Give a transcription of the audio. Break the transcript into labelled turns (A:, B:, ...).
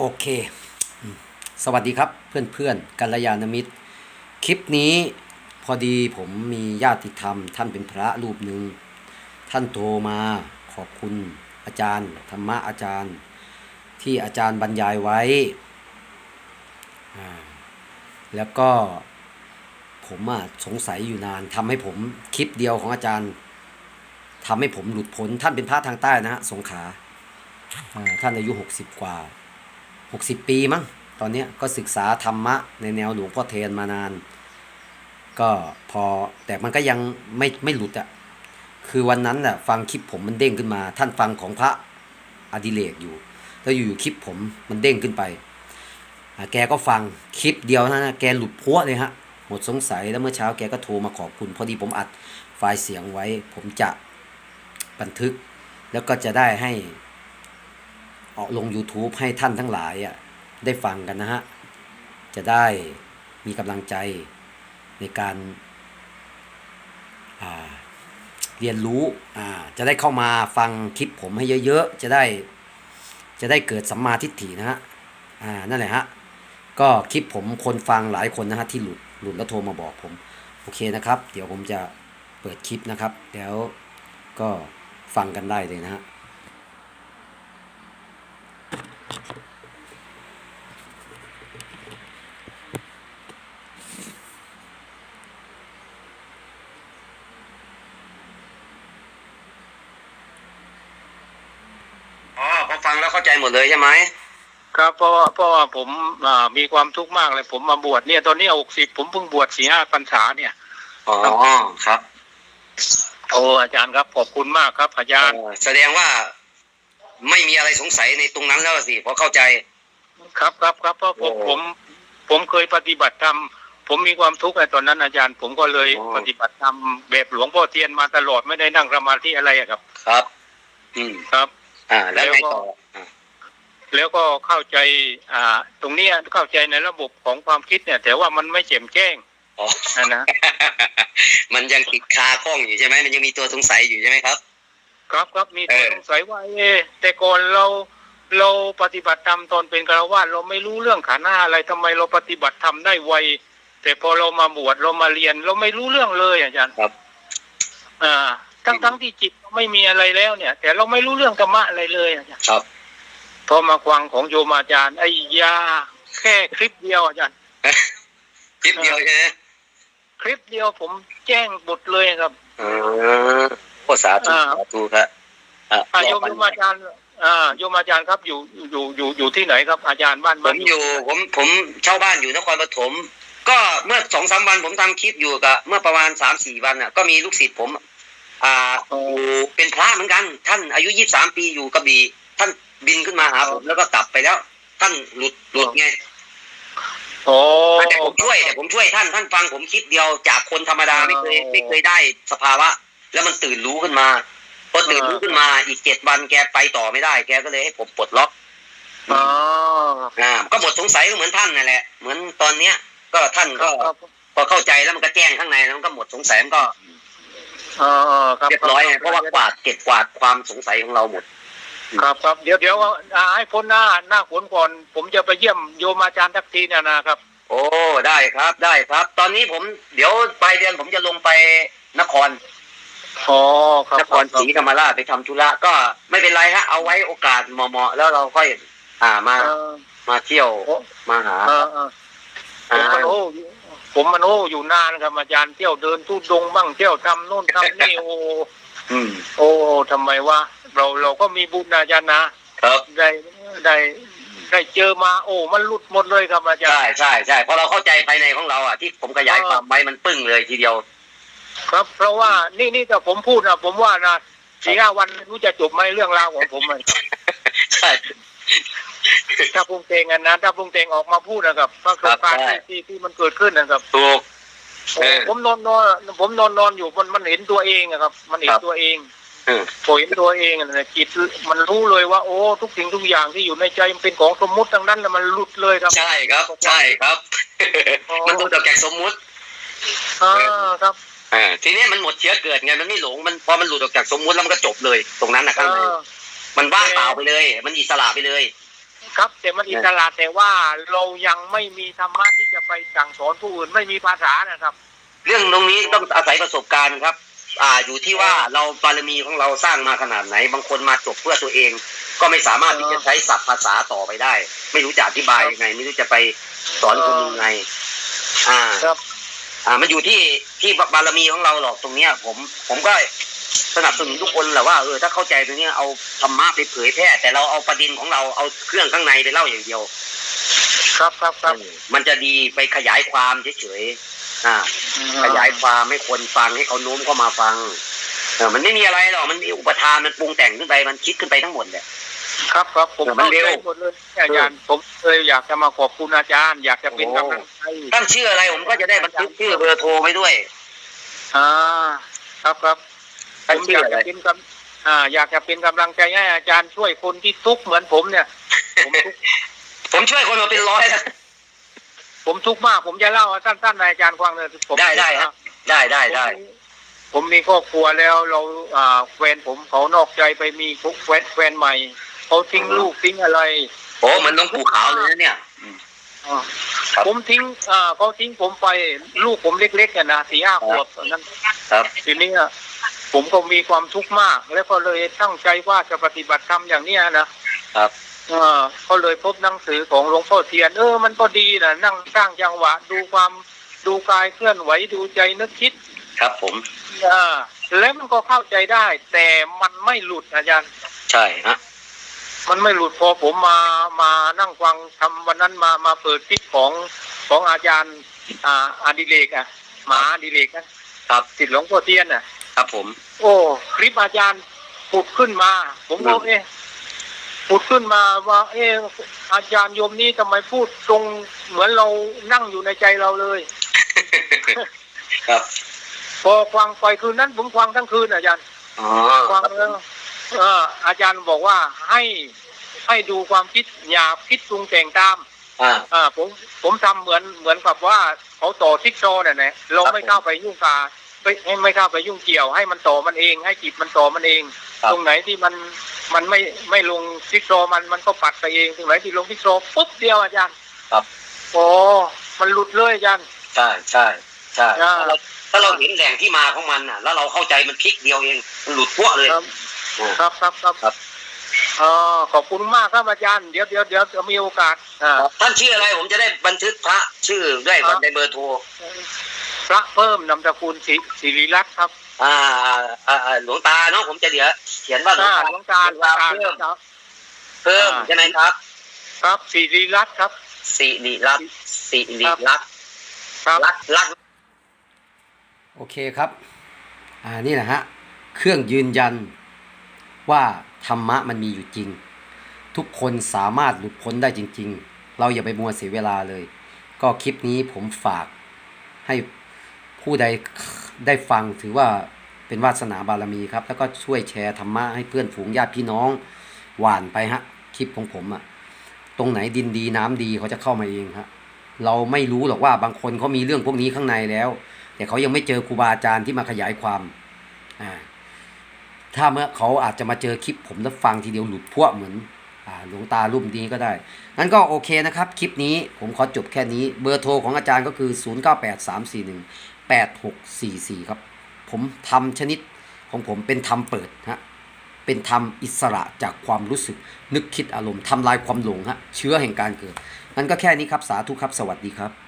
A: เคอืมสวัสดีครับเพื่อนๆกัลยาณมิตรคลิปนี้พอดีผมมีญาติธรรมท่านเป็นพระรูปหนึ่งท่านโทรมาขอบคุณอาจารย์ธรรมะอาจารย์ที่อาจารย์บรรยายไว้แล้วก็ผมสงสัยอยู่นานทำให้ผมคลิปเดียวของอาจารย์ทำให้ผมหลุดพ้นท่านเป็นพระทางใต้นะฮะสงขลาท่านอายุ60 กว่า60 ปีมั้งตอนนี้ก็ศึกษาธรรมะในแนวหลวงพ่อเทนมานานก็พอแต่มันก็ยังไม่หลุดอะคือวันนั้นน่ะฟังคลิปผมมันเด้งขึ้นมาท่านฟังของพระอดิเรกอยู่แล้วอยู่คลิปผมมันเด้งขึ้นไปแกก็ฟังคลิปเดียวนะแกหลุดพัวเลยฮะหมดสงสัยแล้วเมื่อเช้าแกก็โทรมาขอบคุณพอดีผมอัดไฟล์เสียงไว้ผมจะบันทึกแล้วก็จะได้ให้ออกลง YouTube ให้ท่านทั้งหลายได้ฟังกันนะฮะจะได้มีกำลังใจในการเรียนรู้จะได้เข้ามาฟังคลิปผมให้เยอะๆจะได้เกิดสัมมาทิฏฐินะฮะนั่นแหละฮะก็คลิปผมคนฟังหลายคนนะฮะที่หลุดแล้วโทรมาบอกผมโอเคนะครับเดี๋ยวผมจะเปิดคลิปนะครับแล้วก็ฟังกันได้เลยนะฮะพอฟังแล้วเข้าใจหมดเลยใช่ไหม
B: ครับเพราะว่าผมมีความทุกข์มากเลยผมมาบวชเนี่ยตอนนี้60ผมเพิ่งบวช4-5 พรรษาเนี่ย
A: อ๋อครับ
B: โอ้อาจารย์ครับขอบคุณมากครับอาจารย์
A: แสดงว่าไม่มีอะไรสงสัยในตรงนั้นแล้วสิพอเข้าใจ
B: ครับเพราะผมเคยปฏิบัติธรรมผมมีความทุกข์ในตอนนั้นอาจารย์ผมก็เลยปฏิบัติธรรมแบบหลวงพ่อเทียนมาตลอดไม่ได้นั่งสมาธิอะไรครับ
A: ครับ
B: ครับ
A: แล้วไงต่อ
B: แล้วก็เข้าใจตรงนี้เข้าใจในระบบของความคิดเนี่ยแต่ว่ามันไม่แจ่มแจ้งนะ
A: มันยังติดคาข้องอยู่ใช่ไหมมันยังมีตัวสงสัยอยู่ใช่ไหมครับ
B: ครับมีตัวสงสัยว่าแต่ก่อนเราปฏิบัติธรรมตอนเป็นฆราวาสเราไม่รู้เรื่องขันธ์ห้าอะไรทำไมเราปฏิบัติธรรมได้ไวแต่พอเรามาบวชเรามาเรียนเราไม่รู้เรื่องเลยอาจารย์
A: ครับ
B: ทั้งที่จิตไม่มีอะไรแล้วเนี่ยแต่เราไม่รู้เรื่องธรรมะอะไรเลยอาจารย์
A: ครับ
B: พอมาฟังของโยมอาจารย์ไอ้ยาแค่คลิปเดียวอาจารย์
A: คลิปเดียวใช่ไหม
B: คลิปเดียวผมแจ้งบทเลยครับ
A: โคสาธุครับ
B: โยมอาจารย์โยมอาจารย์ครับอยู่ที่ไหนครับอาจารย์บ้าน
A: ผมเช่าบ้านอยู่นครปฐมก็เมื่อ2-3 วันผมทำคลิปอยู่กับเมื่อประมาณ3-4 วันก็มีลูกศิษย์ผมเป็นพระเหมือนกันท่านอายุ23 ปีอยู่กระบี่ท่านบินขึ้นมาหาผมแล้วก็กลับไปแล้วท่านหลุดไงแต่ผมช่วยท่านฟังผมคลิปเดียวจากคนธรรมดาไม่เคยได้สภาวะแล้วมันตื่นรู้ขึ้นมาพอตื่นรู้ขึ้นมาอีก7 วันแกไปต่อไม่ได้แกก็เลยให้ผมปลดล็อกก็หมดสงสัยก็เหมือนท่านนั่นแหละเหมือนตอนเนี้ยก็ท่านก็พอเข้าใจแล้วมันก็แจ้งข้างในแล้วมันก็หมดสงสัยมันก็เรียบร้อยเพราะว่าเก็บกวาดความสงสัยของเราหมด
B: ครับเดี๋ยวให้พ้นหน้าฝนก่อนผมจะไปเยี่ยมโยมอาจารย์ทักทีนะครับ
A: โอ้ได้ครับตอนนี้ผมเดี๋ยวปลายเดือนผมจะลงไปนครนครศรีธรรมราชไปทำธุระก็ไม่เป็นไรฮะเอาไว้โอกาสเหมาะแล้วเราค่อยมาเที่ยวมาหา
B: ผมมันอยู่นานครับอาจารย์เที่ยวเดินทุดงบ้างเที่ยวทำโน่นทำนี่ทำไมวะเราก็มีบุญอาจารย์นะครับได้เจอมามันหลุดหมดเลยครับอาจารย์
A: ใช่เพราะเราเข้าใจภายในของเราที่ผมขยายความไว้มันปึ้งเลยทีเดียว
B: ครับเพราะว่านี่ถ้าผมพูดผมว่า4-5 วันรู้จะจบไหมเรื่องราวของผม
A: ใช่
B: ถ้าปรุงแต่งถ้าปรุงแต่งออกมาพูดนะครับประสบการณ์ที่มันเกิดขึ้นนะครับ
A: ถูก
B: ผมนอนอยู่มันเห็นตัวเองครับมันเห็นตัวเองพอเห็นตัวเองจิตมันรู้เลยว่าทุกสิ่งทุกอย่างที่อยู่ในใจมันเป็นของสมมุติทั้งนั้นแล้วมันหลุดเลยครับ
A: ใช่ครับมันหลุดออกจากสมมุติ
B: ครับ
A: ทีนี้มันหมดเชื้อเกิดไงมันไม่หลงมันพอมันหลุดออกจากสมมุติแล้วมันก็จบเลยตรงนั้นนะครับมันว่างเปล่าไปเลยมันอิสระไปเลย
B: ครับแต่มันอิสระแต่ว่าเรายังไม่มีธรรมะที่จะไปสั่งสอนผู้อื่นไม่มีภาษานะครับ
C: เรื่องตรงนี้ต้องอาศัยประสบการณ์ครับ อยู่ที่ว่าเราบารมีของเราสร้างมาขนาดไหนบางคนมาจบเพื่อตัวเอง ก็ไม่สามารถที่จะใช้ศัพท์ภาษาต่อไปได้ ไม่รู้จะอธิบายยังไง ไม่รู้จะไปสอนคนยังไง
B: ครับ
C: มันอยู่ที่บารมีของเราหรอกตรงเนี้ยผมก็สนับสนุนทุกคนแหละว่าถ้าเข้าใจตรงนี้เอาธรรมะไปเผยแพร่แต่เราเอาประเด็นของเราเอาเครื่องข้างในไปเล่าอย่างเดียว
B: ครับ
C: มันจะดีไปขยายความเฉยๆขยายความให้คนฟังให้เขาโน้มเข้ามาฟังมันไม่มีอะไรหรอกมันอุปทานมันปรุงแต่งขึ้นไปมันคิดขึ้นไปทั้งหมดแหละ
B: ครับผมเข้าใจหมดเลยอาจารย์ผมเลยอยากจะมาขอบคุณอาจารย์อยากจะเป็นกำลังใจ
C: ตั้งชื่ออะไรผมก็จะได้บันทึกชื่อเบอร์โทรไว้ด้วย
B: ครับผมอยากจะเป็นอยากจะเป็นกำลังใจให้อาจารย์ช่วยคนที่ทุกข์เหมือนผมเนี่ย
C: ผมช่วยคนมาเป็นร้อยแล้ว
B: ผมทุกข์มากผมจะเล่าสั้นๆในอาจารย์ฟังเลย
C: ผมได้ครับได้
B: ผมมีครอบครัวแล้วเราแฟนผมเขานอกใจไปมีแฟนใหม่เขาทิ้งลูกทิ้งอะไร
C: มันต้องผูกขาวเลยนะเนี่ย
B: ผมทิ้งเขาทิ้งผมไปลูกผมเล็กๆนะ4-5 ขวบนั้นทีนี้ผมก็มีความทุกข์มากแล้วก็เลยตั้งใจว่าจะปฏิบัติธรรมอย่างนี้นะครับก็เลยพบหนังสือของหลวงพ่อเทียนมันก็ดีนะนั่งสร้างจังหวะดูกายเคลื่อนไหวดูใจนึกคิด
C: ครับผม
B: แล้วมันก็เข้าใจได้แต่มันไม่หลุดอาจารย์
C: ใช่ฮะ
B: มันไม่หลุดพอผมมานั่งฟังทำวันนั้นมาเปิดคลิปของอาจารย์อดิเรกหมาอดิเรก
C: ครับ
B: ศิษย์หลวงพ่อเทียน
C: ครับผม
B: คลิปอาจารย์ปุดขึ้นมาผมก็ปุดขึ้นมาว่าอาจารย์โยมนี่ทำไมพูดตรงเหมือนเรานั่งอยู่ในใจเราเลย
C: ครับ
B: พอฟังไปคืนนั้นผมฟังทั้งคืนอาจารย์ฟังแล้วอาจารย์บอกว่าให้ดูความคิดอย่าคิดปรุงแต่งตามผมทำเหมือนกับว่าเขาต่อทิกโซเนี่ยนะเราไม่เข้าไปยุ่งกาไม่เข้าไปยุ่งเกี่ยวให้มันต่อมันเองให้จิตมันต่อมันเองตรงไหนที่มันไม่ลงทิกโซมันก็ปัดไปเองตรงไหนที่ลงทิกโซปุ๊บเดียวอาจารย์
C: ครับ
B: มันหลุดเลยอาจารย์
C: ใช่ถ้าเราเห็นแหล่งที่มาของมันแล้วเราเข้าใจมันคลิกเดียวเองมันหลุดพวกเลย
B: ครับขอบคุณมากครับอาจารย์เดี๋ยวจะมีโอกาส
C: ท่านชื่ออะไรผมจะได้บันทึกพระชื่อด้วยในเบอร์โทร
B: พระเพิ่มนามสกุลศิริรัตน์ครับ
C: หลวงตาเนาะผมจะเดี๋ยวเขียนว่า
B: หลวงตา
C: เพิ่มใช่ไหมครับ
B: ครับศิริรัตน์ครับ
C: ศิริรัตน์รัก
A: โอเคครับนี่นะฮะเครื่องยืนยันว่าธรรมะมันมีอยู่จริงทุกคนสามารถหลุดพ้นได้จริงๆเราอย่าไปมัวเสียเวลาเลยก็คลิปนี้ผมฝากให้ผู้ใดได้ฟังถือว่าเป็นวาสนาบารมีครับแล้วก็ช่วยแชร์ธรรมะให้เพื่อนฝูงญาติพี่น้องหว่านไปฮะคลิปของผมตรงไหนดินดีน้ำดีเขาจะเข้ามาเองฮะเราไม่รู้หรอกว่าบางคนเขามีเรื่องพวกนี้ข้างในแล้วแต่เขายังไม่เจอครูบาอาจารย์ที่มาขยายความถ้าเมื่อเขาอาจจะมาเจอคลิปผมแล้วฟังทีเดียวหลุดพวกเหมือนหลวงตารูปนี้ก็ได้งั้นก็โอเคนะครับคลิปนี้ผมขอจบแค่นี้เบอร์โทรของอาจารย์ก็คือ0983418644ครับผมทำชนิดของผมเป็นธรรมเปิดฮะเป็นธรรมอิสระจากความรู้สึกนึกคิดอารมณ์ทำลายความหลงฮะเชื้อแห่งการเกิดงั้นก็แค่นี้ครับสาธุครับสวัสดีครับ